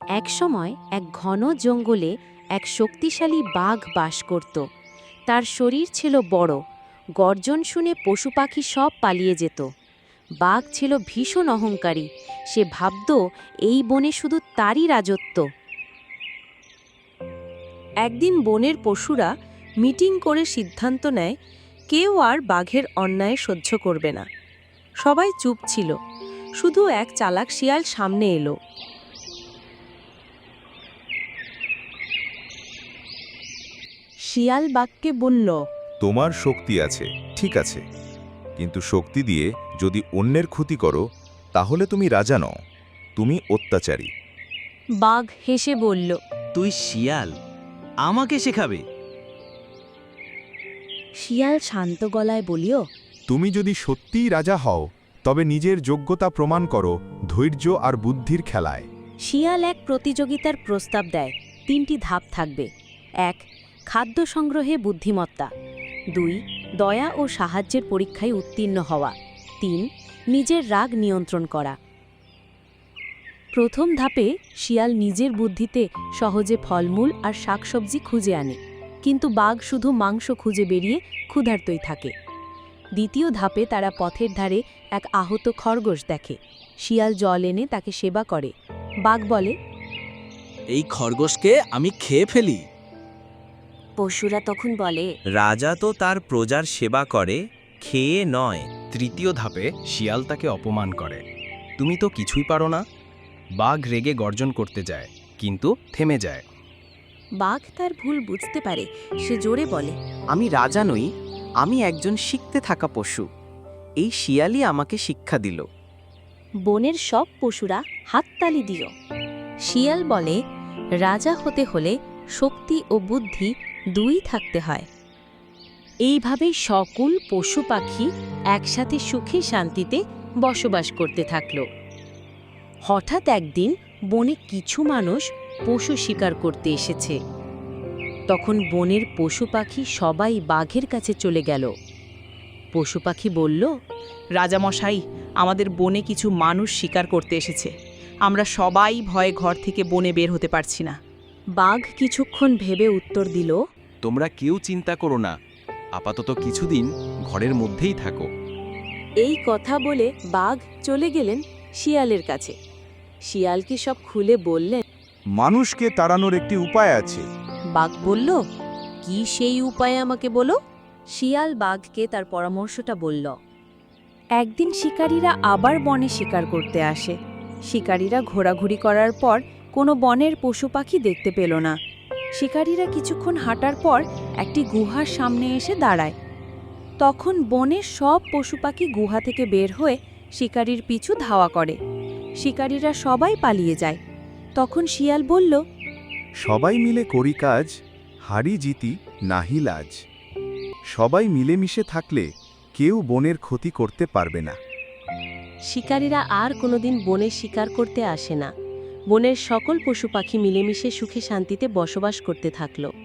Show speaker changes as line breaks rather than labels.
একসময় এক ঘন জঙ্গলে এক শক্তিশালী বাঘ বাস করত। তার শরীর ছিল বড়, গর্জন শুনে পশু পাখি সব পালিয়ে যেত। বাঘ ছিল ভীষণ অহংকারী, সে ভাবত এই বনে শুধু তারই রাজত্ব।
একদিন বনের পশুরা মিটিং করে সিদ্ধান্ত নেয় কেউ আর বাঘের অন্যায় সহ্য করবে না। সবাই চুপ ছিল, শুধু এক চালাক শিয়াল সামনে এলো। শিয়াল বাঘকে বলল,
তোমার শক্তি আছে, ঠিক আছে, কিন্তু শক্তি দিয়ে যদি অন্যের ক্ষতি করো তাহলে তুমি রাজা নও, তুমি অত্যাচারী।
বাঘ হেসে বলল,
তুই শিয়াল, আমাকে শেখাবে?
শিয়াল শান্ত গলায় বলিও,
তুমি যদি সত্যিই রাজা হও তবে নিজের যোগ্যতা প্রমাণ করো ধৈর্য আর বুদ্ধির খেলায়।
শিয়াল এক প্রতিযোগিতার প্রস্তাব দেয়। 3টি ধাপ থাকবে। 1. খাদ্য সংগ্রহে বুদ্ধিমত্তা। 2. দয়া ও সাহায্যের পরীক্ষায় উত্তীর্ণ হওয়া। 3. নিজের রাগ নিয়ন্ত্রণ করা। প্রথম ধাপে শিয়াল নিজের বুদ্ধিতে সহজে ফলমূল আর শাকসবজি খুঁজে আনে, কিন্তু বাঘ শুধু মাংস খুঁজে বেরিয়ে ক্ষুধার্তই থাকে। দ্বিতীয় ধাপে তারা পথের ধারে এক আহত খরগোশ দেখে। শিয়াল জল এনে তাকে সেবা করে। বাঘ বলে,
এই খরগোশকে আমি খেয়ে ফেলি।
পশুরা তখন বলে,
রাজা তো তার প্রজার সেবা করে, খেয়ে নয়।
তৃতীয় ধাপে শিয়াল তাকে অপমান করে, তুমি তো কিছুই পারো না। বাঘ রেগে গর্জন করতে যায়, কিন্তু থেমে যায়।
বাঘ তার ভুল বুঝতে পারে, সে জোরে বলে,
আমি রাজা নই, আমি একজন শিখতে থাকা পশু। এই শিয়ালই আমাকে শিক্ষা দিল।
বনের সব পশুরা হাততালি দিও। শিয়াল বলে, রাজা হতে হলে শক্তি ও বুদ্ধি দুই থাকতে হয়। এইভাবেই সকল পশু পাখি একসাথে সুখে শান্তিতে বসবাস করতে থাকল। হঠাৎ একদিন বনে কিছু মানুষ পশু শিকার করতে এসেছে। তখন বনের পশু পাখি সবাই বাঘের কাছে চলে গেল। পশু পাখি বলল,
রাজামশাই, আমাদের বনে কিছু মানুষ শিকার করতে এসেছে। আমরা সবাই ভয়ে ঘর থেকে বনে বের হতে পারছি না।
বাঘ কিছুক্ষণ ভেবে উত্তর দিল,
তোমরা কেউ চিন্তা করো না, আপাতত কিছুদিন ঘরের মধ্যেই থাকো।
এই কথা বলে বাঘ চলে গেলেন শিয়ালের কাছে। শিয়ালকে সব খুলে বললেন।
মানুষকে তাড়ানোর একটি উপায় আছে।
বাঘ বলল, কি সেই উপায় আমাকে বলো। শিয়াল বাঘকে তার পরামর্শটা বলল।
একদিন শিকারীরা আবার বনে শিকার করতে আসে। শিকারীরা ঘোরাঘুরি করার পর কোনো বনের পশু পাখি দেখতে পেল না। শিকারীরা কিছুক্ষণ হাঁটার পর একটি গুহার সামনে এসে দাঁড়ায়। তখন বনের সব পশু পাখি গুহা থেকে বের হয়ে শিকারীর পিছু ধাওয়া করে। শিকারীরা সবাই পালিয়ে যায়। তখন শিয়াল বলল,
সবাই মিলে করি কাজ, হারি জিতি নাহি লাজ। সবাই মিলেমিশে থাকলে কেউ বনের ক্ষতি করতে পারবে না।
শিকারীরা আর কোনোদিন বনে শিকার করতে আসে না। বনের সকল পশু পাখি মিলেমিশে সুখে শান্তিতে বসবাস করতে থাকল।